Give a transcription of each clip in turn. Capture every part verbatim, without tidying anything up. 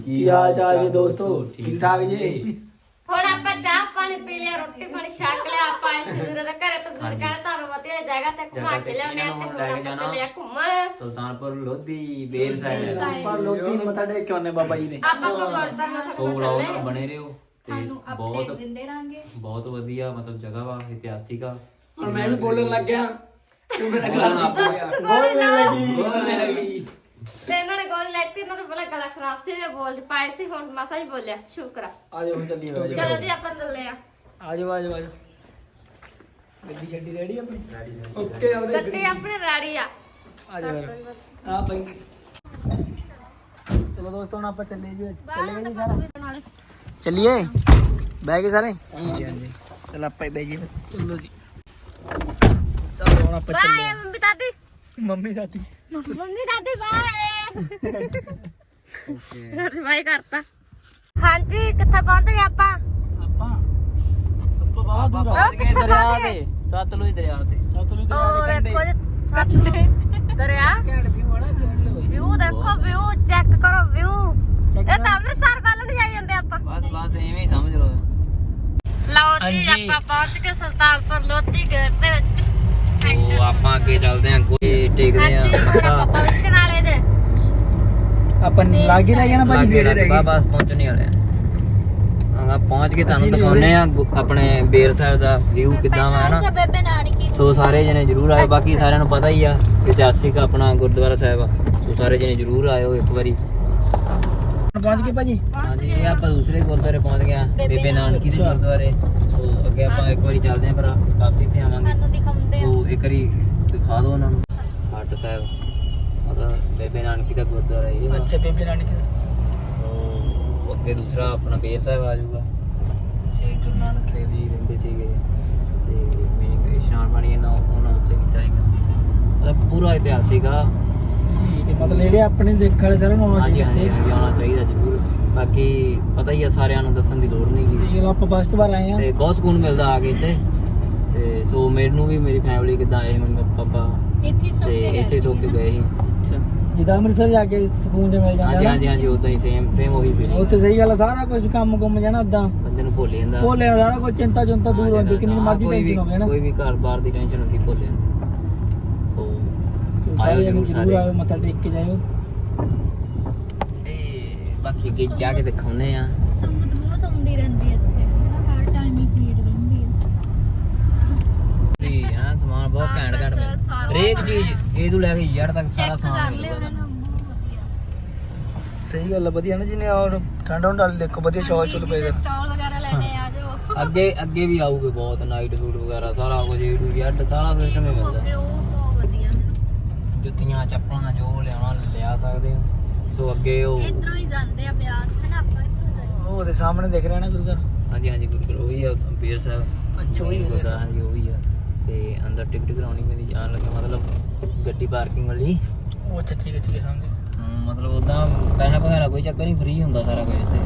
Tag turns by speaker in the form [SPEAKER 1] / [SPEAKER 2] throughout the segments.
[SPEAKER 1] ਕੀ ਹਾਲ ਚਾਲ ਜੀ ਦੋਸਤੋ, ਠੀਕ ਠਾਕ ਜੀ।
[SPEAKER 2] ਹੁਣ ਆਪਾਂ ਚਾਹ ਪਾਣੀ ਪੀ ਲਿਆ, ਰੋਟੀ ਪਾਣੀ ਛਕ ਲਿਆ। ਆਪਾਂ ਇਸ ਦੂਰੇ ਦਾ ਘਰੇ ਤੋਂ ਦੂਰ ਕਰ ਤੁਹਾਨੂੰ ਵਧੀਆ ਜਗ੍ਹਾ ਤੇ ਘੁਮਾ ਕੇ ਲਿਆਉਣੇ ਆ। ਤੇ ਹੁਣ ਆਪਾਂ ਚੱਲੇ ਆ ਘੁੰਮਣ
[SPEAKER 3] ਸੁਲਤਾਨਪੁਰ ਲੋਧੀ ਬੇਰ ਸਾਹਿਬ।
[SPEAKER 1] ਪਰ ਲੋਕੀ ਨੂੰ ਮੱਥਾ ਟੇਕ ਕੇ ਆਉਣੇ ਬਾਬਾ ਜੀ ਦੇ।
[SPEAKER 2] ਆਪਾਂ ਗੁਰਦੁਆਰਾ ਮੱਥਾ
[SPEAKER 3] ਸੋ ਵਲੌਗ ਨਾਲ ਬਣੇ ਰਹੋ ਤੇ
[SPEAKER 4] ਤੁਹਾਨੂੰ
[SPEAKER 3] ਬਹੁਤ
[SPEAKER 4] ਅਪਡੇਟ ਦਿੰਦੇ ਰਾਂਗੇ।
[SPEAKER 3] ਬਹੁਤ ਵਧੀਆ ਮਤਲਬ ਜਗ੍ਹਾ ਵਾ, ਇਤਿਹਾਸਿਕ ਆ।
[SPEAKER 1] ਹੁਣ ਮੈਂ ਵੀ ਬੋਲਣ ਲੱਗ ਗਿਆ, ਤੂੰ ਮੇਰਾ ਗਲਾ
[SPEAKER 3] ਨਾ
[SPEAKER 1] ਪਾ ਗਿਆ। ਬੋਲਣ ਲੱਗੀ
[SPEAKER 3] ਬੋਲਣ ਲੱਗੀ।
[SPEAKER 2] ਤੇ ਇਹਨਾਂ ਨੇ ਗੋਲ ਲੈਤੀ, ਇਹਨਾਂ ਤੋਂ ਪਹਿਲਾਂ ਗਲਾ ਖਰਾਬ ਸੀ, ਮੈਂ ਬੋਲ ਪਾਏ ਸੀ। ਹੁਣ ਮਸਾ ਹੀ ਬੋਲਿਆ, ਸ਼ੁਕਰ ਆ।
[SPEAKER 1] ਆ ਜਾਓ ਹੁਣ ਚੱਲੀਏ ਬਾਬਾ ਜੀ।
[SPEAKER 2] ਚਲੋ ਜੀ ਆਪਾਂ ਚੱਲੇ ਆ।
[SPEAKER 1] ਆ ਜਾਓ ਆ ਜਾਓ ਆ ਜਾਓ। ਗੱਡੀ ਛੱਡੀ ਰੈਡੀ ਆਪਣੀ? ਓਕੇ ਆਉਦੇ
[SPEAKER 2] ਗੱਡੀ ਆਪਣੀ ਰੈਡੀ ਆ।
[SPEAKER 1] ਆ ਜਾਓ ਆ ਭਾਈ। ਚਲੋ ਦੋਸਤੋ ਹੁਣ ਆਪਾਂ ਚੱਲੇ ਜੀ। ਚੱਲੇ ਜੀ ਸਾਰਾ ਚੱਲੀਏ, ਬਹਿ ਗਏ ਸਾਰੇ? ਹਾਂਜੀ ਹਾਂਜੀ। ਚਲ ਆਪਾਂ ਹੀ ਬਹਿ ਜੀ। ਚਲੋ ਜੀ ਚਲੋ ਹੁਣ ਆਪਾਂ ਚੱਲੇ
[SPEAKER 2] ਬਾਏ ਮੰਮੀ ਦਾਦੀ।
[SPEAKER 1] ਮੰਮੀ ਦਾਦੀ
[SPEAKER 2] ਮੰਮੀ ਦਾਦੀ ਬਾਏ। ਦਾਦੀ ਬਾਏ ਕਰਤਾ। ਹਾਂਜੀ ਕਿੱਥੇ ਪਹੁੰਚ ਗਏ ਆਪਾਂ?
[SPEAKER 1] ਆਪਾਂ ਆਪਾਂ ਬਾਹਰ ਦੂਰ ਆ
[SPEAKER 2] ਉਹ ਕਿੱਥੇ ਪਹੁੰਚ ਗਏ?
[SPEAKER 3] ਸਤਲੁਜ ਦਰਿਆ ਤੇ
[SPEAKER 1] ਸਤਲੁਜ ਦਰਿਆ
[SPEAKER 2] ਉਹ
[SPEAKER 1] ਦੇ ਕੰਢੇ।
[SPEAKER 2] ਦੇਖੋ ਜੀ ਸਤਲੁਜ ਦਰਿਆ।
[SPEAKER 1] ਘੈਂਟ ਵਿਊ ਆ ਨਾ ਘੈਂਟ।
[SPEAKER 2] ਵਿਊ ਦੇਖੋ, ਵਿਊ ਚੈੱਕ ਕਰੋ ਵਿਊ। ਇਹ ਤਾਂ ਅੰਮ੍ਰਿਤਸਰ ਵੱਲ ਨੂੰ ਜਾਈ ਜਾਂਦੇ ਆਪਾਂ।
[SPEAKER 3] ਬਸ ਬਸ ਐਵੇਂ ਹੀ ਸਮਝ ਲਓ।
[SPEAKER 2] ਲਓ ਜੀ
[SPEAKER 1] ਹਾਂਜੀ।
[SPEAKER 2] ਆਪਾਂ ਪਹੁੰਚ ਕੇ ਸੁਲਤਾਨਪੁਰ ਲੋਧੀ ਗੇਟ ਦੇ ਵਿੱਚ।
[SPEAKER 3] ਸੋ ਆਪਾਂ ਅੱਗੇ ਚੱਲਦੇ ਆਂ, ਕੋਈ ਟੇਕਦੇ ਆਂ
[SPEAKER 2] ਹਾਂਜੀ ਹੁਣ ਆਪਾਂ ਪਹੁੰਚ ਨਾਲੇ ਦੇ।
[SPEAKER 1] ਆਪਾਂ ਲੱਗ ਹੀ ਰਹਿ ਗਿਆ ਨਾ ਭਾਜੀ,
[SPEAKER 3] ਲਾਗੇ
[SPEAKER 1] ਨੇੜੇ ਰਹਿ
[SPEAKER 3] ਲੱਗ
[SPEAKER 1] ਗਏ।
[SPEAKER 3] ਬਸ ਪਹੁੰਚਣੇ ਵਾਲੇ ਆ। ਪਹੁੰਚ ਕੇ ਤੁਹਾਨੂੰ ਦਿਖਾਉਣੇ ਆ ਗੁ- ਆਪਣੇ ਬੇਰ ਸਾਹਿਬ ਦਾ ਵਿਊ ਕਿੱਦਾਂ ਵਾ ਨਾ।
[SPEAKER 4] ਬੇਬੇ ਨਾਨਕੀ
[SPEAKER 3] ਸੋ ਸਾਰੇ ਜਣੇ ਜਰੂਰ ਆਏ। ਬਾਕੀ ਸਾਰਿਆਂ ਨੂੰ ਪਤਾ ਹੀ ਆ ਇਤਿਹਾਸਿਕ ਆਪਣਾ ਗੁਰਦੁਆਰਾ ਸਾਹਿਬ ਆ। ਸੋ ਸਾਰੇ ਜਣੇ ਜਰੂਰ ਆਇਓ ਇੱਕ ਵਾਰੀ।
[SPEAKER 1] ਪਹੁੰਚ ਗਏ ਭਾਜੀ।
[SPEAKER 3] ਹਾਂਜੀ ਇਹ ਆਪਾਂ ਦੂਸਰੇ ਗੁਰਦੁਆਰੇ ਪਹੁੰਚ ਗਏ ਆ, ਬੇਬੇ ਨਾਨਕੀ ਦੇ ਗੁਰਦੁਆਰੇ। ਸੋ ਅੱਗੇ ਆਪਾਂ ਇੱਕ ਵਾਰੀ ਚੱਲਦੇ ਆਂ, ਪਰ ਵਾਪਸੀ ਤੇ ਆਵਾਂਗੇ।
[SPEAKER 4] ਸਾਨੂੰ ਦਿਖਾਉਂਦੇ ਆ।
[SPEAKER 3] ਸੋ ਇੱਕ ਵਾਰੀ ਦਿਖਾ ਦਿਓ ਉਹਨਾਂ ਨੂੰ ਹੱਟ ਸਾਹਿਬ, ਮਤਲਬ ਬੇਬੇ ਨਾਨਕੀ ਦਾ ਗੁਰਦੁਆਰਾ ਇਹ ਵਾ।
[SPEAKER 1] ਅੱਛਾ ਬੇਬੇ ਨਾਨਕੀ ਦਾ।
[SPEAKER 3] ਸੋ ਅੱਗੇ ਦੂਸਰਾ ਆਪਣਾ ਬੇਰ ਸਾਹਿਬ ਆ ਜਾਊਗਾ। ਛੇ ਗੁਰੂ ਨਾਨਕ ਦੇਵ ਜੀ ਰਹਿੰਦੇ ਸੀਗੇ ਤੇ ਮੇਰੀ ਇਸ਼ਨਾਨ ਪਾਣੀ ਇਹਨਾਂ ਉਹਨਾਂ ਉੱਤੇ ਕੀਤਾ ਸੀਗਾ। ਮਤਲਬ ਪੂਰਾ ਇਤਿਹਾਸਿਕ ਆ।
[SPEAKER 1] ਠੀਕ ਹੈ, ਮਤਲਬ ਜਿਹੜੇ ਆਪਣੇ ਸਿੱਖ ਵਾਲੇ ਸਾਰਿਆਂ ਨੂੰ ਆਉਣਾ
[SPEAKER 3] ਹਾਂਜੀ
[SPEAKER 1] ਚਾਹੀਦਾ
[SPEAKER 3] ਹਾਂਜੀ
[SPEAKER 1] ਇੱਥੇ।
[SPEAKER 3] ਹਾਂਜੀ, ਆਉਣਾ ਚਾਹੀਦਾ ਜ਼ਰੂਰ। ਬਾਕੀ ਪਤਾ ਹੀ ਆ ਸਾਰਿਆਂ ਨੂੰ, ਦੱਸਣ ਦੀ ਲੋੜ ਨਹੀਂ ਗੀ।
[SPEAKER 1] ਇਹ ਆਪਾਂ ਫਸਟ ਵਾਰ ਆਏ ਆ
[SPEAKER 3] ਤੇ ਬਹੁਤ ਸਕੂਨ ਮਿਲਦਾ ਆ ਕੇ ਇੱਥੇ। ਤੇ ਸੋ ਮੈਨੂੰ ਵੀ ਮੇਰੀ ਫੈਮਿਲੀ ਕਿੱਦਾਂ ਆਏ, ਮੰਮੀ ਪਾਪਾ
[SPEAKER 4] ਇੱਥੇ ਸੁੱਕ
[SPEAKER 3] ਤੇ
[SPEAKER 4] ਕੇ
[SPEAKER 3] ਇੱਥੇ
[SPEAKER 4] ਗਏ
[SPEAKER 3] ਤੋਂ ਕੇ ਗਏ ਸੀ।
[SPEAKER 1] ਅੱਛਾ, ਜਿੱਦਾਂ ਅੰਮ੍ਰਿਤਸਰ ਜਾ ਕੇ ਸਕੂਨ ਜਿਹਾ ਮਿਲ ਜਾਂਦਾ
[SPEAKER 3] ਹਾਂਜੀ
[SPEAKER 1] ਨਾ।
[SPEAKER 3] ਹਾਂਜੀ ਹਾਂਜੀ ਉਦਾਂ ਹੀ ਸੇਮ ਸੇਮ ਉਹੀ ਫੀਲਿੰਗ।
[SPEAKER 1] ਉੱਥੇ ਸਹੀ ਗੱਲ ਆ, ਸਾਰਾ ਕੁਝ ਕੰਮ ਗੁੰਮ ਜਾਣਾ ਉਦਾਂ।
[SPEAKER 3] ਬੰਦੇ ਨੂੰ ਭੁੱਲ ਜਾਂਦਾ।
[SPEAKER 1] ਭੁੱਲ ਜਾਂਦਾ ਸਾਰਾ ਕੁਝ, ਚਿੰਤਾ ਚੁੰਤਾ ਦੂਰ ਹੁੰਦੀ, ਕਿੰਨੀ ਮਰਜ਼ੀ
[SPEAKER 3] ਕੋਈ ਵੀ
[SPEAKER 1] ਟੈਨਸ਼ਨ ਹੋਵੇ ਨਾ।
[SPEAKER 3] ਕੋਈ ਵੀ ਘਰ ਬਾਹਰ ਦੀ ਟੈਨਸ਼ਨ ਹੁੰਦੀ ਭੁੱਲ ਜਾਂਦਾ। ਸੋ
[SPEAKER 1] ਸਾਰੇ
[SPEAKER 3] ਆਇਓ
[SPEAKER 1] ਜਣੇ
[SPEAKER 3] ਜ਼ਰੂਰ
[SPEAKER 1] ਜ਼ਰੂਰ
[SPEAKER 3] ਸਾਰੇ।
[SPEAKER 1] ਆਇਓ, ਮੱਥਾ ਟੇਕ ਕੇ ਜਾਇਓ।
[SPEAKER 3] ਤੇ ਬਾਕੀ ਅੱਗੇ ਜਾ ਕੇ ਦਿਖਾਉਨੇ ਆ।
[SPEAKER 4] ਸੰਗਤ ਬਹੁਤ ਆਉਂਦੀ ਰਹਿੰਦੀ ਇੱਥੇ, ਹਰ ਟਾਈਮ ਹੀ ਭੀੜ ਰਹਿੰਦੀ ਹੈ।
[SPEAKER 3] ਜੀ ਹਾਂ, ਸਮਾਨ ਬਹੁਤ ਘੈਂਟ ਘੈਂਟ ਮਿਲਦਾ। ਹਰੇਕ ਚੀਜ਼ ਇਹ ਤੋਂ ਲੈ ਕੇ ਜੜ ਤੱਕ ਸਾਰਾ
[SPEAKER 4] ਚੈੱਕ ਕਰ
[SPEAKER 3] ਸਮਾਨ
[SPEAKER 4] ਲਿਓ
[SPEAKER 3] ਮਿਲਦਾ।
[SPEAKER 4] ਇਹਨਾਂ ਨੂੰ, ਬਹੁਤ ਵਧੀਆ।
[SPEAKER 1] ਸਹੀ ਗੱਲ ਆ, ਵਧੀਆ ਨਾ ਜਿਹਨੇ ਔਰ ਠੰਡਾ ਹੁੰਦਾ ਦੇਖੋ ਵਧੀਆ ਸ਼ੌਲ ਚੁੱਲ ਪਏਗਾ।
[SPEAKER 4] ਸਟਾਲ ਵਗੈਰਾ ਲੈਣੇ ਆ ਜਾਓ।
[SPEAKER 3] ਅੱਗੇ ਅੱਗੇ ਵੀ ਆਊਗੇ ਬਹੁਤ ਨਾਈਟ ਫੂਡ ਵਗੈਰਾ ਸਾਰਾ ਕੁਝ ਏ ਟੂ ਜ਼ੈਡ ਸਾਰਾ ਸਿਸਟਮ ਹੀ ਮਿਲਦਾ।
[SPEAKER 4] ਅੱਗੇ ਉਹ ਬਹੁਤ ਵਧੀਆ ਹੈ।
[SPEAKER 3] ਜੁੱਤੀਆਂ ਚੱਪਲਾਂ ਜੋ ਲਿਆਉਣਾ ਲਿਆ ਸਕਦੇ ਹੋ। ਸੋ ਅੱਗੇ ਉਹ
[SPEAKER 4] ਇੱਧਰੋਂ ਹੀ ਜਾਂਦੇ ਆ ਬਿਆਸ, ਹੈ ਨਾ, ਆਪਾਂ ਇੱਧਰੋਂ ਜਾਂਦੇ।
[SPEAKER 1] ਉਹ ਉਹਦੇ ਸਾਹਮਣੇ ਦਿਖ ਰਿਹਾ ਨਾ ਗੁਰੂ ਘਰ।
[SPEAKER 3] ਹਾਂਜੀ ਹਾਂਜੀ ਗੁਰੂਗੁਰੂ ਉਹੀ ਆ ਬੇਰ ਸਾਹਿਬ।
[SPEAKER 1] ਅੱਛਾ, ਉਹੀ ਆ ਬੇਰ ਸਾਹਿਬ।
[SPEAKER 3] ਹਾਂਜੀ ਉਹੀ ਆ। ਤੇ ਅੰਦਰ ਟਿਕਟ ਕਰਾਉਣੀ ਪੈਂਦੀ ਜਾਣ ਲੱਗਾ, ਮਤਲਬ ਗੱਡੀ ਪਾਰਕਿੰਗ ਵਾਲੀ।
[SPEAKER 1] ਉਹ ਅੱਛਾ ਠੀਕ ਹੈ ਠੀਕ ਹੈ, ਸਮਝ।
[SPEAKER 3] ਹਮ, ਮਤਲਬ ਉਦਾਂ ਪੈਸਾ ਪੈਸਾ ਦਾ ਕੋਈ ਚੱਕਰ ਨਹੀਂ, ਫ੍ਰੀ ਹੁੰਦਾ ਸਾਰਾ ਕੁਝ ਇੱਥੇ।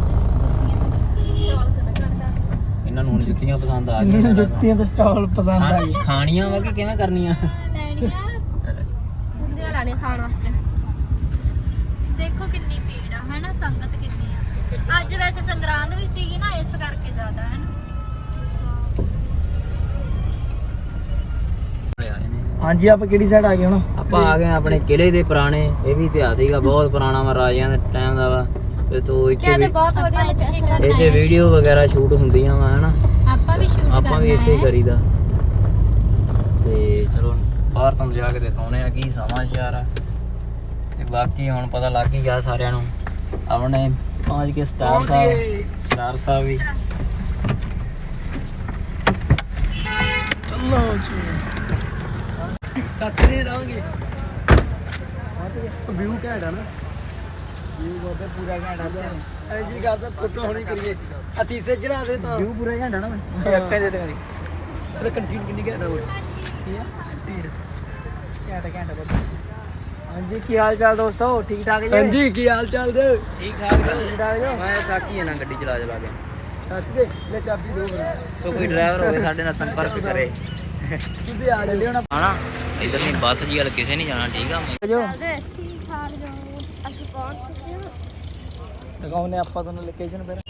[SPEAKER 3] ਇਹਨਾਂ ਨੂੰ ਹੁਣ ਜੁੱਤੀਆਂ ਪਸੰਦ ਆ
[SPEAKER 1] ਇਹਨਾਂ ਨੂੰ
[SPEAKER 3] ਗਈਆਂ।
[SPEAKER 1] ਜੁੱਤੀਆਂ ਤੇ ਸਟਾਲ ਪਸੰਦ ਆ ਗਏ।
[SPEAKER 3] ਖਾਣ- ਖਾਣੀਆਂ ਵਾ ਕਿ ਕਿਵੇਂ ਕਰਨੀਆਂ?
[SPEAKER 4] ਲੈਣੀਆਂ
[SPEAKER 2] ਹੁੰਦੇ ਲਾਣੇ ਖਾਣ ਵਾਸਤੇ।
[SPEAKER 4] ਦੇਖੋ ਕਿੰਨੀ ਭੀੜ ਆ, ਹੈ ਨਾ, ਸੰਗਤ ਕਿੰਨੀ ਆ। ਅੱਜ ਵੈਸੇ ਸੰਗਰਾਂਦ ਵੀ ਸੀਗੀ ਨਾ, ਇਸ ਕਰਕੇ ਜ਼ਿਆਦਾ ਹੈ ਨਾ।
[SPEAKER 1] ਹਾਂਜੀ, ਆਪਾਂ ਕਿਹੜੀ ਸਾਈਡ ਆ ਗਏ ਹੁਣ?
[SPEAKER 3] ਆਪਾਂ ਆ ਗਏ ਆਂ ਆਪਣੇ ਕਿਲੇ ਦੇ ਪੁਰਾਣੇ। ਇਹ ਵੀ ਇਤਿਹਾਸ ਸੀਗਾ, ਬਹੁਤ ਪੁਰਾਣਾ ਵਾ, ਰਾਜਿਆਂ ਦੇ ਟਾਈਮ ਦਾ ਵਾ। ਤੇ ਤੋਂ ਇੱਥੇ ਵੀ
[SPEAKER 2] ਬਹੁਤ
[SPEAKER 4] ਆਪਾਂ ਇੱਥੇ ਕਰਨਾ
[SPEAKER 3] ਇੱਥੇ
[SPEAKER 4] ਹੈ।
[SPEAKER 3] ਵੀਡੀਓ ਵਗੈਰਾ ਸ਼ੂਟ ਹੁੰਦੀਆਂ ਵਾ ਹਨਾ।
[SPEAKER 4] ਆਪਾਂ ਵੀ ਸ਼ੂਟ
[SPEAKER 3] ਆਪਾਂ ਵੀ ਇੱਥੇ ਹੀ
[SPEAKER 4] ਕਰਨਾ ਹੈ।
[SPEAKER 3] ਕਰੀਦਾ। ਤੇ ਚਲੋ ਬਾਹਰ ਤੁਹਾਨੂੰ ਜਾ ਕੇ ਦਿਖਾਉਣੇ ਆ ਕੀ ਸਮਾਚਾਰ ਆ। ਤੇ ਬਾਕੀ ਹੁਣ ਪਤਾ ਲੱਗ ਹੀ ਗਿਆ ਸਾਰਿਆਂ ਨੂੰ। ਆਪਣੇ ਪਹੁੰਚ ਕੇ ਸਟਾਰ ਸਾਹਿਬ ਸਟਾਰ ਸਾਹਿਬ ਵੀ।
[SPEAKER 1] ਚਲੋ ਜੀ ਸਾਥੇ ਰਹਾਂਗੇ। ਵਿਊ ਘੈਂਟ ਆ ਨਾ, ਵਿਊ ਬਹੁਤ ਪੂਰਾ ਘੈਂਟ ਆ। ਐ ਜੀ ਕਰਦਾ ਫੋਟੋ ਹੋਣੀ ਕਰੀਏ, ਅਸੀਂ ਇਸੇ ਚੜਾ ਦੇ ਤਾਂ ਵਿਊ ਪੂਰਾ ਘੈਂਟ ਆ ਨਾ। ਮੈਂ ਅੱਖਾਂ ਦੇ ਦੇ ਚਲੋ ਕੰਟੀਨ ਕਿੰਨੀ ਘੈਂਟ ਆ ਉਹ। ਕੀ ਆ ਕੰਟੀਨ ਘੈਂਟ ਘੈਂਟ ਆ। ਹਾਂਜੀ, ਕੀ ਹਾਲ ਚਾਲ ਦੋਸਤੋ, ਠੀਕ ਠਾਕ ਜੀ? ਹਾਂਜੀ, ਕੀ ਹਾਲ ਚਾਲ ਜੀ? ਠੀਕ ਠਾਕ ਠੀਕ ਠਾਕ ਜੀ।
[SPEAKER 3] ਮੈਂ ਸਾਕੀ ਆ ਨਾ ਗੱਡੀ ਚਲਾ ਚਲਾ ਕੇ।
[SPEAKER 1] ਸੱਚ ਦੇ ਲੈ ਚਾਬੀ ਦੋ ਮੈਨੂੰ।
[SPEAKER 3] ਸੋ ਕੋਈ ਡਰਾਈਵਰ ਹੋਵੇ ਸਾਡੇ ਨਾਲ ਸੰਪਰਕ ਕਰੇ।
[SPEAKER 1] ਤੁਸੀਂ ਆ ਜਾਂਦੇ ਹੁਣ
[SPEAKER 3] ਹਨਾ ਇਧਰ ਨਹੀਂ ਬੱਸ ਜੀ ਵਾਲ ਕਿਸੇ ਨਹੀਂ ਜਾਣਾ। ਠੀਕ ਆ
[SPEAKER 1] ਜੋ
[SPEAKER 2] ਠੀਕ ਠਾਕ ਜਾਓ। ਅਸੀਂ ਪਹੁੰਚ ਚੁੱਕੇ ਹਾਂ।
[SPEAKER 1] ਦਿਖਾਉਨੇ ਆਪਾਂ ਤੁਹਾਨੂੰ ਲੋਕੇਸ਼ਨ ਫਿਰ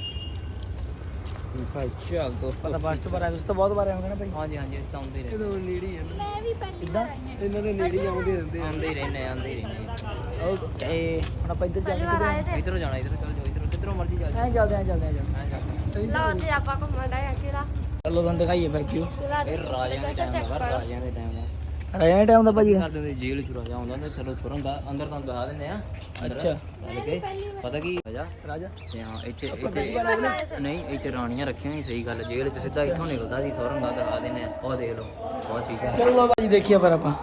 [SPEAKER 3] ਭਾਈ ਚੱਲ ਦੋਸਤੋ
[SPEAKER 1] ਪਤਾ ਫਸਟ ਵਾਰ ਆਏ ਤੁਸੀਂ ਤਾਂ ਬਹੁਤ ਵਾਰ ਆਏ ਹੋਗੇ ਨਾ ਭਾਈ
[SPEAKER 3] ਹਾਂਜੀ ਹਾਂਜੀ ਅਸੀਂ ਤਾਂ ਆਉਂਦੇ ਹੀ ਰਹਿੰਦੇ
[SPEAKER 1] ਇਹਦੋਂ ਨੇੜੇ ਹੀ ਆ ਨਾ
[SPEAKER 4] ਮੈਂ ਵੀ ਪਹਿਲੀ ਵਾਰ ਆਈ ਹਾਂ
[SPEAKER 1] ਇਹਨਾਂ ਦੇ ਨੇੜੇ ਹੀ ਆਉਂਦੇ ਰਹਿੰਦੇ ਆ
[SPEAKER 3] ਆਉਂਦੇ ਹੀ ਰਹਿੰਦੇ ਆਉਂਦੇ ਹੀ ਰਹਿੰਦੇ
[SPEAKER 1] ਓਕੇ ਹੁਣ ਆਪਾਂ ਇੱਧਰ
[SPEAKER 2] ਪਹਿਲੀ
[SPEAKER 1] ਚੱਲਦੇ
[SPEAKER 2] ਵਾਰ ਆਏ ਤੇ
[SPEAKER 3] ਇਧਰੋਂ ਜਾਣਾ ਇਧਰੋਂ ਚੱਲ ਜਾਓ ਇਧਰੋਂ ਕਿੱਧਰੋਂ ਮਰਜ਼ੀ ਚੱਲ
[SPEAKER 1] ਐਂ ਚੱਲਦੇ ਐਂ ਚੱਲਦੇ ਐਂ ਚੱਲਦੇ
[SPEAKER 3] ਐਂ ਚੱਲ
[SPEAKER 2] ਲਓ ਜੀ ਆਪਾਂ ਘੁੰਮਣ ਦਾ ਕਿਲਾ
[SPEAKER 1] ਚਲੋ ਤੁਹਾਨੂੰ ਦਿਖਾਈਏ ਫਿਰ ਕਿਉਂ
[SPEAKER 2] ਕਿਲਾ
[SPEAKER 3] ਇਹ ਰਾਜਿਆਂ ਦੇ ਟਾਈਮ ਦਾ ਰਾਜਿਆਂ ਦੇ ਟਾਈਮ ਦਾ
[SPEAKER 1] ਰਾਜਾ ਟਾਈਮ ਦਾ ਭਾਜੀ
[SPEAKER 3] ਸਾਡੇ ਦੇ ਜੇਲ੍ਹ ਚ ਰਾਜਾ ਆਉਂਦਾ ਹੁੰਦਾ ਚਲੋ ਸੁਰੰਗ ਦਾ ਅੰਦਰ ਤੁਹਾਨੂੰ ਦਿਖਾ ਦਿੰਦੇ ਆ
[SPEAKER 1] ਅੱਛਾ
[SPEAKER 3] ਚੱਲ ਕੇ ਪਤਾ ਕੀ ਰਾਜਾ
[SPEAKER 1] ਰਾਜਾ
[SPEAKER 3] ਤੇ ਹਾਂ ਇੱਥੇ ਇੱਥੇ ਨਹੀਂ ਇੱਥੇ ਰਾਣੀਆਂ ਰੱਖੀਆਂ ਹੋਈਆਂ ਸਹੀ ਗੱਲ ਜੇਲ੍ਹ ਚ ਸਿੱਧਾ ਇੱਥੋਂ ਨਿਕਲਦਾ ਸੀ ਸੁਰੰਗ ਦਾ ਦਿਖਾ ਦਿੰਦੇ ਆ ਉਹ ਦੇਖ ਲਓ ਬਹੁਤ ਚੀਜ਼ਾਂ
[SPEAKER 1] ਚਲੋ ਭਾਜੀ ਦੇਖੀਏ ਫਿਰ ਆਪਾਂ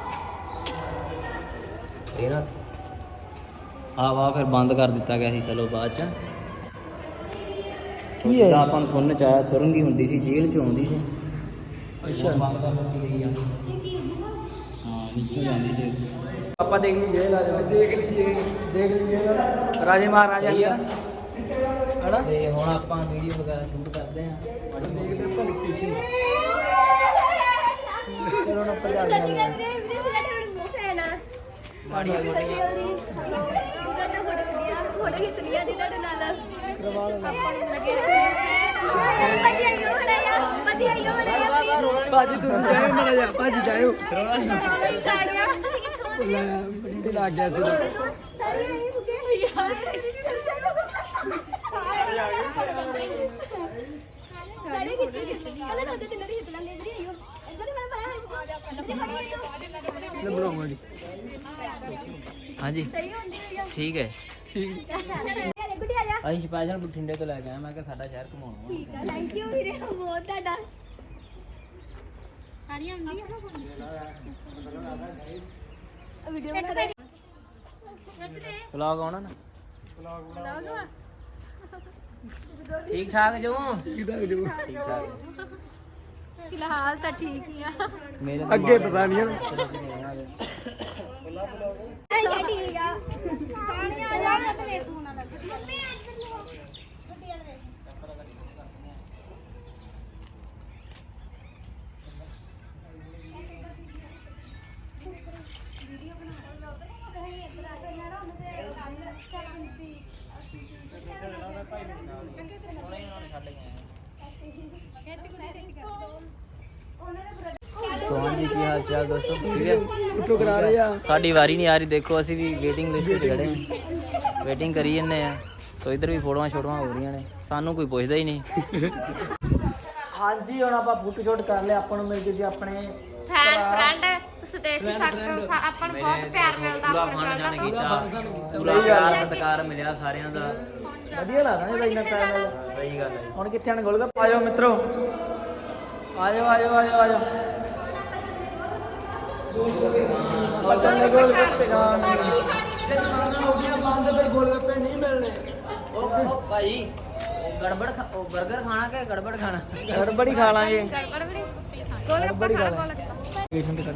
[SPEAKER 3] ਇਹ ਨਾ ਆ ਵਾ ਫਿਰ ਬੰਦ ਕਰ ਦਿੱਤਾ ਗਿਆ ਸੀ ਚਲੋ ਬਾਅਦ ਚ
[SPEAKER 1] ਕੀ ਹੈ?
[SPEAKER 3] ਜਿੱਦਾਂ ਆਪਾਂ ਨੂੰ ਸੁਣਨ ਚ ਆਇਆ ਸੁਰੰਗ ਹੀ ਹੁੰਦੀ ਸੀ ਜੇਲ੍ਹ ਚ ਆਉਂਦੀ ਸੀ
[SPEAKER 1] ਅੱਛਾ
[SPEAKER 3] ਬੰਦ ਕਰ ਦਿੱਤੀ ਗਈ ਆ ਹਾਂ ਨੀਚੋਂ ਜਾਂਦੀ ਸੀ
[SPEAKER 1] ਆਪਾਂ ਦੇਖ ਲਈਏ ਰਾਜਾ ਦੇਖ ਲਈਏ ਦੇਖ ਲਈਏ ਰਾਜੇ ਮਹਾਰਾਜਾ
[SPEAKER 3] ਸਹੀ ਆ।
[SPEAKER 1] ਹਣਾ
[SPEAKER 3] ਤੇ ਹੁਣ ਆਪਾਂ ਵੀਡੀਓ ਵਗੈਰਾ ਸ਼ੂਟ ਕਰਦੇ ਆ
[SPEAKER 1] ਦੇਖਦੇ ਆਪਾਂ ਲੋਕੇਸ਼ਨ ਚਲੋ ਨਾ ਪਜਾ
[SPEAKER 4] ਸਤਿ ਸ਼੍ਰੀ ਅਕਾਲ ਵੀਰੇ ਵੀਰੇ ਸਾਡੇ ਹੁਣ ਮੂੰਹ ਫੈਨ ਆ ਸਤਿ ਸ਼੍ਰੀ ਅਕਾਲ ਜੀ ਤੁਹਾਡਾ ਫੋਟੋ ਵਧੀਆ ਫੋਟੋ ਖਿੱਚਣੀ ਆ ਦੀ ਤੁਹਾਡੇ ਨਾਲ
[SPEAKER 1] ਕਰਵਾ ਲਓ
[SPEAKER 4] ਆਪਾਂ ਨੂੰ ਲੱਗੇ ਫੈਨ ਵਧੀਆ ਹੀ ਹੋਣਾ ਯਾਰ ਵਧੀਆ ਹੀ ਹੋਣਾ
[SPEAKER 1] ਭਾਜੀ ਤੁਸੀਂ ਜਾਇਓ ਮੜਾ ਜਾ ਭਾਜੀ ਜਾਇਓ
[SPEAKER 3] ਕਰੋਣਾ ਨਹੀਂ
[SPEAKER 1] ਲੈ ਬੰਦੇ ਲੱਗ ਗਿਆ ਸੀ
[SPEAKER 4] ਸਾਰੇ ਨਹੀਂ ਸੁਗੇ ਯਾਰ ਸਾਰੇ ਕਿੱਥੇ ਕੱਲੇ ਦੋ ਤਿੰਨ ਦੀ ਹਿੱਟ ਲੈਂਦੇ ਇਧਰ ਹੀ ਆਇਓ ਇਧਰ ਹੀ ਮੇਰਾ ਭਰਾ ਹੈ
[SPEAKER 1] ਲੈ ਬਣਾਉਂਗਾ ਜੀ
[SPEAKER 3] ਹਾਂਜੀ
[SPEAKER 4] ਸਹੀ ਹੁੰਦੀ ਹੋਈ ਆ
[SPEAKER 3] ਠੀਕ ਹੈ
[SPEAKER 1] ਠੀਕ
[SPEAKER 4] ਯਾਰ ਗੁੱਡੀ ਆ ਜਾ
[SPEAKER 3] ਅਸੀਂ ਸਪੈਸ਼ਲ ਬਠਿੰਡੇ ਤੋਂ ਲੈ ਕੇ ਆਏ ਮੈਂ ਕਿਹਾ ਸਾਡਾ ਸ਼ਹਿਰ ਘੁਮਾਉਣਾ
[SPEAKER 4] ਠੀਕ ਆ ਥੈਂਕ ਯੂ ਵੀਰੇ ਬਹੁਤ ਤੁਹਾਡਾ ਸਾਰੀਆਂ ਹੁੰਦੀਆਂ ਵੀਡੀਓ ਬਣਾ ਦੇ
[SPEAKER 3] ਵਲੌਗ ਆਉਣਾ ਨਾ
[SPEAKER 4] ਵਲੌਗ
[SPEAKER 3] ਠੀਕ ਠਾਕ ਜੋ
[SPEAKER 1] ਕਿਦਾਂ ਜੋ
[SPEAKER 3] ਠੀਕ ਠਾਕ
[SPEAKER 4] ਫਿਲਹਾਲ ਤਾਂ ਠੀਕ ਹੀ ਆ
[SPEAKER 3] ਮੇਰੇ
[SPEAKER 1] ਅੱਗੇ ਪਤਾ ਨਹੀਂ ਹੈ
[SPEAKER 4] ਐ ਠੀਕ ਆ ਪਾਣੀ ਆ ਜਾ ਤੇ ਵੇਖ ਹੋਣਾ ਲੱਗ ਮੰਮੀ ਅੱਜ ਗੱਡੀ ਵਾਲ ਵੇਖ ਵੀਡੀਓ ਬਣਾ ਲਓ ਤੇ ਕਹੀਂ ਇੱਧਰ ਆ ਕੇ ਨਾ ਉਹਨੇ
[SPEAKER 3] ਸੋ ਹਾਂਜੀ ਕੀ ਹਾਲ ਚਾਲ ਦੋਸਤੋ ਠੀਕ ਹੈ
[SPEAKER 1] ਫੋਟੋ ਕਰਾ ਰਹੇ ਆ
[SPEAKER 3] ਸਾਡੀ ਵਾਰੀ ਨਹੀਂ ਆ ਰਹੀ ਦੇਖੋ ਅਸੀਂ ਵੀ ਵੇਟਿੰਗ ਲਿਸਟ 'ਚ ਖੜੇ ਹਾਂ ਵੇਟਿੰਗ ਕਰੀ ਜੰਨੇ ਆ ਸੋ ਇੱਧਰ ਵੀ ਫੋਟੋਆਂ ਛੋਟੀਆਂ ਹੋ ਰਹੀਆਂ ਨੇ ਸਾਨੂੰ ਕੋਈ ਪੁੱਛਦਾ ਹੀ ਨਹੀਂ
[SPEAKER 1] ਹਾਂਜੀ ਹੁਣ ਆਪਾਂ ਫੋਟੋ ਸ਼ੂਟ ਕਰ ਲਿਆ ਆਪਾਂ ਨੂੰ ਮਿਲ ਗਏ ਸੀ ਆਪਣੇ
[SPEAKER 2] ਫੈਨ ਫਰੈਂਡ ਤੁਸੀਂ ਦੇਖ ਹੀ ਸਕਦੇ ਹੋ ਸਾ- ਆਪਾਂ ਨੂੰ ਬਹੁਤ ਪਿਆਰ ਮਿਲਦਾ
[SPEAKER 3] ਪੂਰਾ
[SPEAKER 2] ਆਪਣੇ
[SPEAKER 3] ਫਨ ਜਾਣ
[SPEAKER 2] ਫਰੈਂਡਾਂ ਤੋਂ
[SPEAKER 3] ਕੀਤਾ ਪੂਰਾ ਪਿਆਰ ਸਤਿਕਾਰ ਮਿਲਿਆ ਸਾਰਿਆਂ ਦਾ
[SPEAKER 1] ਵਧੀਆ ਲੱਗਦਾ ਨੇ ਬਾਈ ਨਾ ਪੈਰ
[SPEAKER 3] ਸਹੀ ਗੱਲ ਹੈ
[SPEAKER 1] ਹੁਣ ਕਿੱਥੇ ਆਣ ਗੋਲਗੱਪੇ ਆਜੋ ਮਿੱਤਰੋ ਆਜੋ ਆਜੋ ਆਜੋ ਆਜੋ ਚੱਲੇ ਗੋਲਗੱਪੇ ਖਾਣ ਹੋ ਗਿਆ ਬੰਦ ਫਿਰ ਗੋਲਗੱਪੇ ਨਹੀਂ ਮਿਲਣੇ
[SPEAKER 3] ਉਹ ਭਾਈ ਗੜਬੜ ਖਾ- ਉਹ 버ਗਰ ਖਾਣਾ ਕਿ ਗੜਬੜ ਖਾਣਾ
[SPEAKER 1] ਗੜਬੜੀ ਖਾ ਲਾਂਗੇ
[SPEAKER 2] ਗੜਬੜ ਵੀ ਗੋਲ
[SPEAKER 1] ਗੜਬੜੀ ਖਾ
[SPEAKER 2] ਗੱਪਾ
[SPEAKER 1] ਲਾਂਗੇ ਲੋਕੇਸ਼ਨ ਤੇ ਕਰ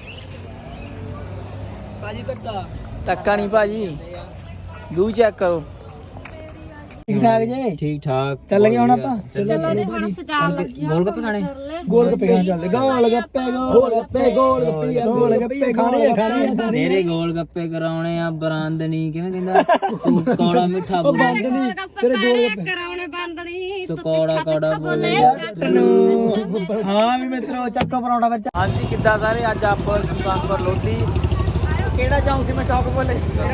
[SPEAKER 1] ਭਾਜੀ ਧੱਕਾ ਧੱਕਾ ਨਹੀਂ ਭਾਜੀ ਲੂ ਚੈੱਕ ਕਰੋ ਠੀਕ ਠਾਕ ਜੀ
[SPEAKER 3] ਠੀਕ ਠਾਕ
[SPEAKER 1] ਚੱਲ ਗਏ ਹੁਣ ਆਪਾਂ ਚਲੋ
[SPEAKER 2] ਚਲੋ ਜੀ ਹੁਣ ਸਜਾਉਣ ਲੱਗਿਆ
[SPEAKER 3] ਗੋਲ ਗੱਪੇ ਖਾਣੇ
[SPEAKER 1] ਗੋਲਗੱਪੇ ਖਾਣ ਚੱਲਦੇ ਗੋਲਗੱਪੇ ਗੋਲਗੱਪੇ ਗੋਲਗੱਪੇ ਗੋਲਗੱਪੇ ਖਾਣੇ ਖਾਣੇ
[SPEAKER 3] ਮੇਰੇ ਗੋਲ ਗੱਪੇ ਕਰਾਉਣੇ ਆ ਬਰਾਂਦਨੀ ਕਿਵੇਂ ਕਹਿੰਦਾ ਤੂੰ ਕੌੜਾ ਮਿੱਠਾ ਬੋਲ
[SPEAKER 1] ਬੰਦ ਨਹੀਂ ਤੇਰੇ ਗੋਲਗੱਪੇ
[SPEAKER 2] ਕਰਾਉਣੇ ਬੰਦ ਨਹੀਂ
[SPEAKER 3] ਤੂੰ ਕੌੜਾ ਕੌੜਾ ਬੋਲੇ
[SPEAKER 1] ਨੂੰ ਹਾਂ ਵੀ ਮਿੱਤਰੋ ਚੱਕੋ ਪਰੌਂਠਾ ਵਿੱਚ ਹਾਂਜੀ ਕਿੱਦਾਂ ਸਾਰੇ ਅੱਜ ਆਪਾਂ ਸੁਲਤਾਨਪੁਰ ਲੋਧੀ ਕਿਹੜਾ ਚੌਂਕ ਸੀ ਮੈਂ ਚੌਕ ਬੋਲੇ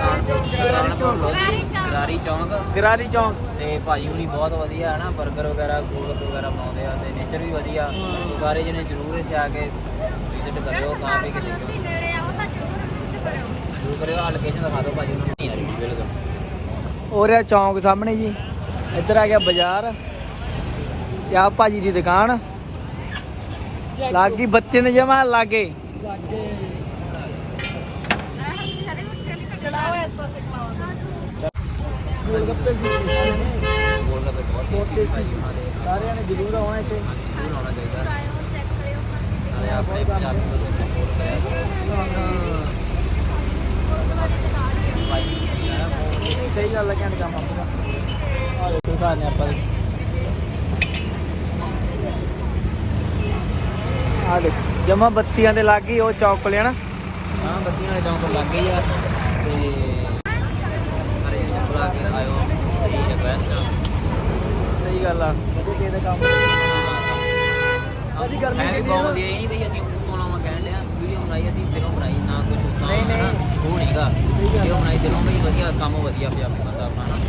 [SPEAKER 3] ਗਰਾਰੀ ਚੌਂਕ
[SPEAKER 1] ਗਰਾਰੀ ਚੌਂਕ
[SPEAKER 3] ਤੇ ਭਾਜੀ ਹੁਣੀ ਬਹੁਤ ਵਧੀਆ ਹੈ ਨਾ 버ਗਰ ਵਗੈਰਾ ਗੋਲ ਗੱਪੇ ਵਗੈਰਾ ਬਣਾਉਂਦੇ ਆ ਤੇ ਨੇਚਰ ਵੀ ਵਧੀਆ ਸਾਰੇ ਜਣੇ ਜ਼ਰੂਰ ਇੱਥੇ ਆ ਕੇ ਵਿਜ਼ਿਟ ਕਰਿਓ ਖਾ ਪੀ ਕੇ ਦੇਖਿਓ
[SPEAKER 2] ਨੇੜੇ ਆ ਉਹ ਤਾਂ ਜ਼ਰੂਰ ਵਿਜ਼ਿਟ ਕਰਿਓ
[SPEAKER 3] ਜ਼ਰੂਰ ਕਰਿਓ ਆ ਲੋਕੇਸ਼ਨ ਦਿਖਾ ਦਿਓ ਭਾਜੀ ਨੂੰ ਨਹੀਂ ਆ ਰਹੀ ਬਿਲਕੁਲ
[SPEAKER 1] ਹੋ ਰਿਹਾ ਚੌਂਕ ਸਾਹਮਣੇ ਜੀ ਇੱਧਰ ਆ ਗਿਆ ਬਾਜ਼ਾਰ ਤੇ ਆ ਭਾਜੀ ਦੀ ਦੁਕਾਨ ਲਾਗੀ ਬੱਤੀ ਨੇ ਜਮਾ ਲਾਗੇ
[SPEAKER 2] ਚਲਾਓ ਇਸ ਪਾਸੇ ਖਲਾਓ
[SPEAKER 1] ਗੋਲਗੱਪੇ ਸੀ
[SPEAKER 3] ਗੋਲ ਗੱਪੇ ਬਹੁਤ ਟੇਸਟੀ ਭਾਜੀ ਉਹਨਾਂ ਦੇ
[SPEAKER 1] ਸਾਰਿਆਂ ਨੇ ਜ਼ਰੂਰ ਆਉਣਾ ਇੱਥੇ
[SPEAKER 3] ਜ਼ਰੂਰ ਆਉਣਾ ਚਾਹੀਦਾ
[SPEAKER 4] ਆਇਓ ਚੈੱਕ ਕਰਿਓ
[SPEAKER 3] ਨਾਲੇ ਆਪਣੇ ਪੰਜਾਬੀ ਨੂੰ ਸਪੋਰਟ ਕਰਿਆ
[SPEAKER 4] ਗੁਰਦੁਆਰੇ ਦੇ ਨਾਲ ਹੀ
[SPEAKER 3] ਭਾਈ
[SPEAKER 1] ਸਹੀ ਗੱਲ ਹੈ ਕਹਿੰਦੇ ਕੰਮ ਆਪਣਾ ਆ ਦੇਖੋ ਘਰ ਨੇ ਆਪਾਂ ਆ ਦੇਖ ਜਮਾ ਬੱਤੀਆਂ ਦੇ ਲੱਗ ਗਈ ਉਹ ਚੌਕ ਕੋਲੇ ਹਨਾ
[SPEAKER 3] ਹਾਂ ਬੱਤੀਆਂ ਵਾਲੇ ਚੌਂਕ ਲੱਗ ਗਈ ਆ ਤੇ ਸਾਰੇ ਜਣੇ ਬੁਲਾ ਕੇ ਆਇਓ
[SPEAKER 1] ਗੱਲ ਆ ਵਧੀਆ ਕਿਸੇ ਦਾ ਕੰਮ
[SPEAKER 3] ਅਸੀਂ ਗਰਮੀ ਵੀ ਬਹੁਤ ਵਧੀਆ ਇਹ ਨਹੀਂ ਵੀ ਅਸੀਂ ਉੱਤੋਂ ਲਾਵਾਂ ਕਹਿਣ ਡਿਆ ਵੀਡੀਓ ਬਣਾਈ ਅਸੀਂ ਦਿਲੋਂ ਬਣਾਈ ਨਾ ਕੁਝ ਉੱਤਾਂ
[SPEAKER 1] ਨਹੀਂ, ਨਹੀਂ।
[SPEAKER 3] ਉਹ ਨਹੀਂਗਾ ਵੀਡੀਓ ਬਣਾਈ ਦਿਲੋਂ ਬਈ ਵਧੀਆ ਕੰਮ ਵਧੀਆ ਪੰਜਾਬੀ ਬੰਦਾ ਆਪਣਾ ਨਾ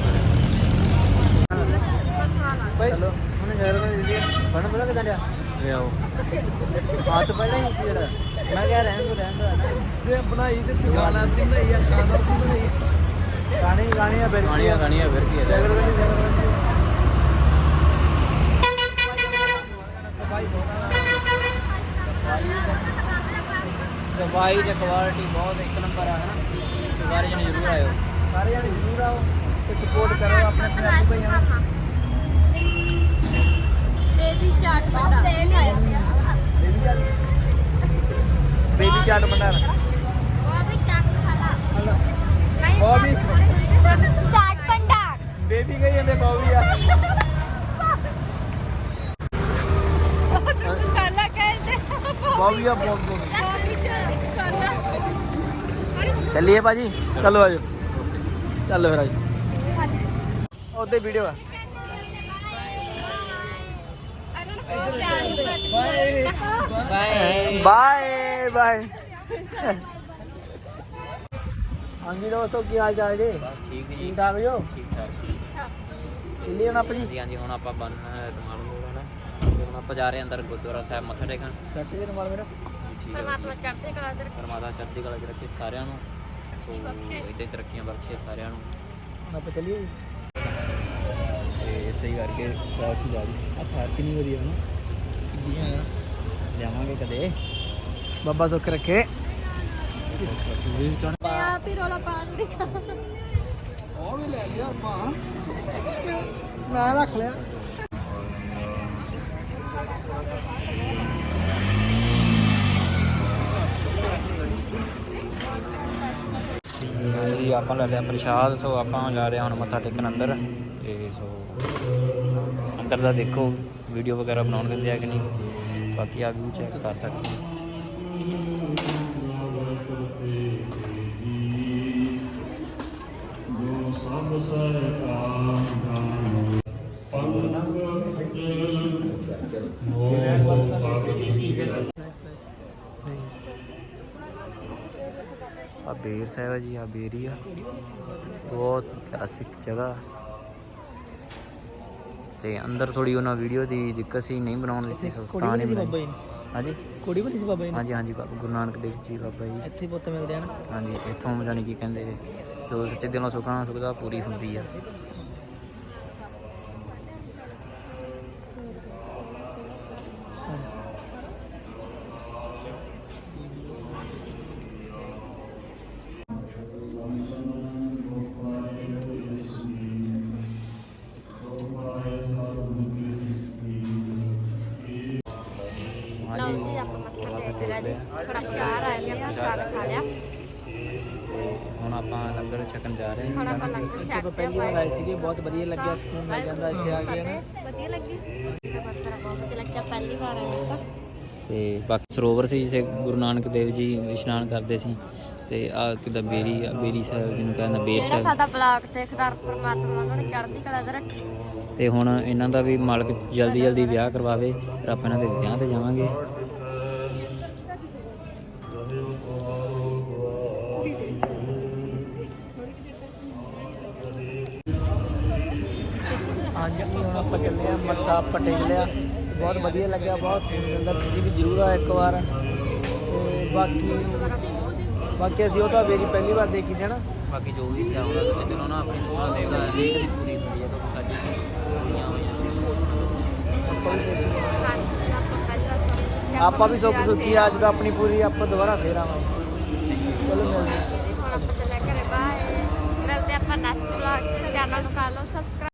[SPEAKER 1] ਭਾਈ ਉਹਨੇ ਸ਼ਹਿਰ ਵਿੱਚ ਵੀਡੀਓ ਬਣ ਬਣਾ ਕਿਦਾਂ ਡਿਆ
[SPEAKER 3] ਲੈ ਆਓ
[SPEAKER 1] ਹਾਂ ਤਾਂ ਪਹਿਲਾਂ ਹੀ ਜਿਹੜਾ ਮੈਂ ਕਿਹਾ ਰਹਿਣ ਦੋ ਰਹਿਣ ਦੋ
[SPEAKER 3] ਜੇ ਬਣਾਈ ਤੇ ਗਾਣਾ ਤੇ ਬਣਾਈ ਆ ਖਾਣਾ ਤੇ ਬਣਾਈ
[SPEAKER 1] ਗਾਣੇ ਹੀ ਗਾਣੇ ਆ ਫਿਰ
[SPEAKER 3] ਗਾਣੀਆਂ ਗਾਣੀਆਂ ਫਿਰ ਕੀ ਹੈ
[SPEAKER 1] ਜਗਰ ਵਾਲੀ ਜਗਰ ਵਾਲੀ
[SPEAKER 3] ਸਫਾਈ ਤੇ ਕੁਆਲਿਟੀ ਬਹੁਤ ਇੱਕ ਨੰਬਰ ਆ ਹਨਾ ਸਾਰੇ ਜਣੇ ਜ਼ਰੂਰ ਆਇਓ
[SPEAKER 1] ਸਾਰੇ ਜਣੇ ਜ਼ਰੂਰ ਆਓ ਤੇ ਸਪੋਰਟ ਕਰੋ ਆਪਣੇ ਪੰਜਾਬੀ ਭਾਈਆਂ ਨੂੰ
[SPEAKER 4] ਬੇਬੀ ਚਾਟ ਬੰਦਾ
[SPEAKER 1] ਬੇਬੀ ਚਾਟ ਭੰਡਾਰ
[SPEAKER 4] ਉਹ ਵੀ ਚਾਟ ਖਾਲਾ
[SPEAKER 1] ਉਹ ਵੀ
[SPEAKER 4] ਚਾਟ ਭੰਡਾਰ
[SPEAKER 1] ਬੇਬੀ ਕਹੀ ਜਾਂਦੇ ਬੌਬੀ ਆ
[SPEAKER 4] ਮਸਾਲਾ ਕਹਿੰਦੇ
[SPEAKER 1] ਬੌਬੀ ਆ ਬੌਬੀ
[SPEAKER 4] ਬੋਬੀ ਚਾਟ ਮਸਾਲਾ
[SPEAKER 1] ਚੱਲੀਏ ਭਾਜੀ ਚਲੋ ਆਜੋ ਚੱਲ ਫਿਰ ਆਜੋ ਉਹਦੇ ਵੀਡੀਓ ਆ
[SPEAKER 3] ਬਾਏ
[SPEAKER 1] ਬਾਏ ਬਾਏ ਹਾਂਜੀ ਦੋਸਤੋ ਕੀ ਹਾਲ ਚਾਲ ਜੀ
[SPEAKER 3] ਠੀਕ ਜੀ
[SPEAKER 1] ਠੀਕ ਠਾਕ ਜੋ
[SPEAKER 3] ਠੀਕ ਠਾਕ
[SPEAKER 4] ਠੀਕ ਠਾਕ
[SPEAKER 1] ਚੱਲੀਏ ਹੁਣ ਆਪਾਂ ਜੀ
[SPEAKER 3] ਹਾਂਜੀ ਹਾਂਜੀ ਹੁਣ ਆਪਾਂ ਬੰਨ ਰਮਾਲ ਮੋੜ ਹਨਾ ਤੇ ਹੁਣ ਆਪਾਂ ਜਾ ਰਹੇ ਹਾਂ ਅੰਦਰ ਗੁਰਦੁਆਰਾ ਸਾਹਿਬ ਮੱਥਾ ਟੇਕਣ
[SPEAKER 1] ਸੱਟ ਜੀ ਰਮਾਲ ਮੇਰਾ
[SPEAKER 3] ਠੀਕ ਹੈ
[SPEAKER 2] ਪਰਮਾਤਮਾ ਚੜ੍ਹਦੀ ਕਲਾ ਚ ਰੱਖੇ।
[SPEAKER 3] ਪਰਮਾਤਮਾ ਚੜ੍ਹਦੀ ਕਲਾ ਚ ਰੱਖੇ ਸਾਰਿਆਂ ਨੂੰ ਸੋ ਇੱਥੇ ਤਰੱਕੀਆਂ ਬਖਸ਼ੇ ਸਾਰਿਆਂ ਨੂੰ
[SPEAKER 1] ਹੁਣ ਆਪਾਂ ਚੱਲੀਏ ਜੀ
[SPEAKER 3] ਤੇ ਇਸੇ ਹੀ ਕਰਕੇ ਟ੍ਰੈਫਿਕ ਜਾ ਰਹੀ
[SPEAKER 1] ਆ ਫਾਰ ਕਿੰਨੀ ਵਧੀਆ ਨਾ ਕਿੱਡੀਆਂ ਆ
[SPEAKER 3] ਜਾਵਾਂਗੇ ਕਦੇ
[SPEAKER 1] ਬਾਬਾ ਸੁੱਖ ਰੱਖੇ
[SPEAKER 4] ਆਪ ਹੀ ਰੋਲਾ ਪਾਣ ਦੀ
[SPEAKER 1] ਉਹ ਵੀ ਲੈ ਲਿਆ ਆਪਾਂ ਮੈਂ ਰੱਖ ਲਿਆ
[SPEAKER 3] ਜੀ ਆਪਾਂ ਲੈ ਲਿਆ ਪ੍ਰਸ਼ਾਦ ਸੋ ਆਪਾਂ ਜਾ ਰਹੇ ਹਾਂ ਹੁਣ ਮੱਥਾ ਟੇਕਣ ਅੰਦਰ ਤੇ ਸੋ ਅੰਦਰ ਦਾ ਦੇਖੋ ਵੀਡੀਓ ਵਗੈਰਾ ਬਣਾਉਣ ਦਿੰਦੇ ਆ ਕਿ ਨਹੀਂ ਬਾਕੀ ਆ ਵੀ ਚੈੱਕ ਕਰ ਸਕਦੇ ਹੋ ਆ ਬੇਰ ਸਾਹਿਬ ਹੈ ਜੀ ਆ ਬੇਰੀ ਆ ਬਹੁਤ ਕਲਾਸਿਕ ਜਗ੍ਹਾ ਤੇ ਅੰਦਰ ਥੋੜੀ ਉਹਨਾਂ ਵੀਡੀਓ ਦੀ ਦਿੱਕਤ ਸੀ ਨਹੀਂ ਬਣਾਉਣ ਦਿੱਤੀ ਸੋ ਤਾਂ ਨਹੀਂ ਬਣਾਈ ਹਾਂਜੀ
[SPEAKER 1] ਕੋੜੀ ਬਣੀ ਸੀ ਬਾਬਾ ਜੀ
[SPEAKER 3] ਹਾਂਜੀ ਹਾਂਜੀ ਬਾਬਾ ਗੁਰੂ ਨਾਨਕ ਦੇਵ ਜੀ ਬਾਬਾ ਜੀ
[SPEAKER 1] ਇੱਥੇ ਪੁੱਤ ਮਿਲਦੇ ਆ ਨਾ
[SPEAKER 3] ਹਾਂਜੀ ਇੱਥੋਂ ਜਾਣੀ ਕੀ ਕਹਿੰਦੇ ਜੋ ਸੱਚੇ ਦਿਲੋਂ ਸੁਖਣਾ ਸੁਖਦਾ ਪੂਰੀ ਹੁੰਦੀ ਆ
[SPEAKER 2] ਲਓ ਜੀ ਆਪਾਂ ਮੱਥਾ ਟੇਕ ਲਿਆ ਜੀ ਥੋੜਾ ਸ਼ਾਰ ਆ ਗਿਆ ਆਪਾਂ ਸ਼ਾਰ ਖਾ ਲਿਆ
[SPEAKER 3] ਹੁਣ ਆਪਾਂ ਲੰਗਰ ਛਕਣ ਜਾ ਰਹੇ
[SPEAKER 2] ਹੁਣ
[SPEAKER 3] ਹਾਂ
[SPEAKER 2] ਆਪਾਂ ਲੰਗਰ ਛਕ
[SPEAKER 1] ਆਪਾਂ ਪਹਿਲੀ ਵਾਰ ਆਏ ਸੀਗੇ ਬਹੁਤ ਵਧੀਆ ਲੱਗਿਆ ਸਕੂਨ ਮਿਲ ਜਾਂਦਾ ਇੱਥੇ ਆ ਕੇ ਨਾ
[SPEAKER 2] ਵਧੀਆ ਲੱਗੀ ਮੱਥਾ ਬਹੁਤ ਵਧੀਆ ਲੱਗਿਆ ਪਹਿਲੀ ਵਾਰ ਆਏ ਤਾਂ
[SPEAKER 3] ਤੇ ਬਾਕੀ ਸਰੋਵਰ ਸੀ ਜਿੱਥੇ ਗੁਰੂ ਨਾਨਕ ਦੇਵ ਜੀ ਇਸ਼ਨਾਨ ਕਰਦੇ ਸੀ ਤੇ ਆ ਕਿਦਾ ਬੇਰੀ ਆ ਬੇਰੀ ਸਾਹਿਬ ਜਿਹਨੂੰ ਕਹਿੰਦਾ ਬੇਰ
[SPEAKER 2] ਜਿਹੜਾ
[SPEAKER 3] ਸਾਹਿਬ
[SPEAKER 2] ਸਾਡਾ ਬਲਾਕ ਤੇ ਖਦਾਰ ਪਰਮਾਤਮਾ ਉਹਨਾਂ ਨੇ ਚੜ੍ਹਦੀ ਕਲਾ ਦੇ ਰੱਖੀ
[SPEAKER 3] ਤੇ ਹੁਣ ਇਹਨਾਂ ਦਾ ਵੀ ਮਾਲਕ ਜਲਦੀ ਜਲਦੀ ਵਿਆਹ ਕਰਵਾਵੇ ਫਿਰ ਆਪਾਂ ਇਹਨਾਂ ਦੇ ਵਿਆਹ ਤੇ ਜਾਵਾਂਗੇ
[SPEAKER 1] ਹਾਂਜੀ ਹੁਣ ਆਪਾਂ ਚੱਲੇ ਆ ਮੱਥਾ ਆਪਾਂ ਟੇਕ ਲਿਆ ਬਹੁਤ ਵਧੀਆ ਲੱਗਿਆ ਬਹੁਤ ਸਕੂਨ ਮਿਲਦਾ ਤੁਸੀਂ ਵੀ ਜ਼ਰੂਰ ਆਓ ਇੱਕ ਵਾਰ ਤੇ ਬਾਕੀ ਬਾਕੀ ਅਸੀਂ ਉਹ ਤਾਂ ਮੇਰੀ ਪਹਿਲੀ ਵਾਰ ਦੇਖੀ ਸੀ ਨਾ
[SPEAKER 3] ਬਾਕੀ ਜੋ ਵੀ ਇੱਛਾ ਹੋਣਾ ਤੁਸੀਂ ਦਿਲੋਂ ਨਾ ਆਪਣੀ ਸੁਣਾ ਦੇਗਾ ਹਰੇਕ ਦੀ ਪੂਰੀ ਹੁੰਦੀ ਹੈ ਤਾਂ ਸਾਡੀ ਪੂਰੀਆਂ ਹੋਈਆਂ
[SPEAKER 1] ਆਪਾਂ ਵੀ ਸੋਚੀ
[SPEAKER 2] ਹਾਂਜੀ ਆਪਾਂ ਪਹਿਲੀ ਵਾਰ ਸੁਣੀ।
[SPEAKER 1] ਆਪਾਂ ਵੀ ਸੁੱਖ ਸੁੱਖੀ ਅੱਜ ਦਾ ਆਪਣੀ ਪੂਰੀ ਆਪਾਂ ਦੁਬਾਰਾ ਫੇਰ ਆਵਾਂਗੇ ਚਲੋ ਮਿਲਦੇ ਹਾਂ।
[SPEAKER 2] ਹੁਣ ਆਪਾਂ ਚੱਲਿਆ ਘਰੇ ਬਾਏ ਮਿਲਦੇ ਆਪਾਂ ਨੈਕਸਟ ਵਲੌਗ ਚ ਚੈਨਲ ਨੂੰ ਕਰ ਲਓ ਸਬਸਕ੍ਰਾਈਬ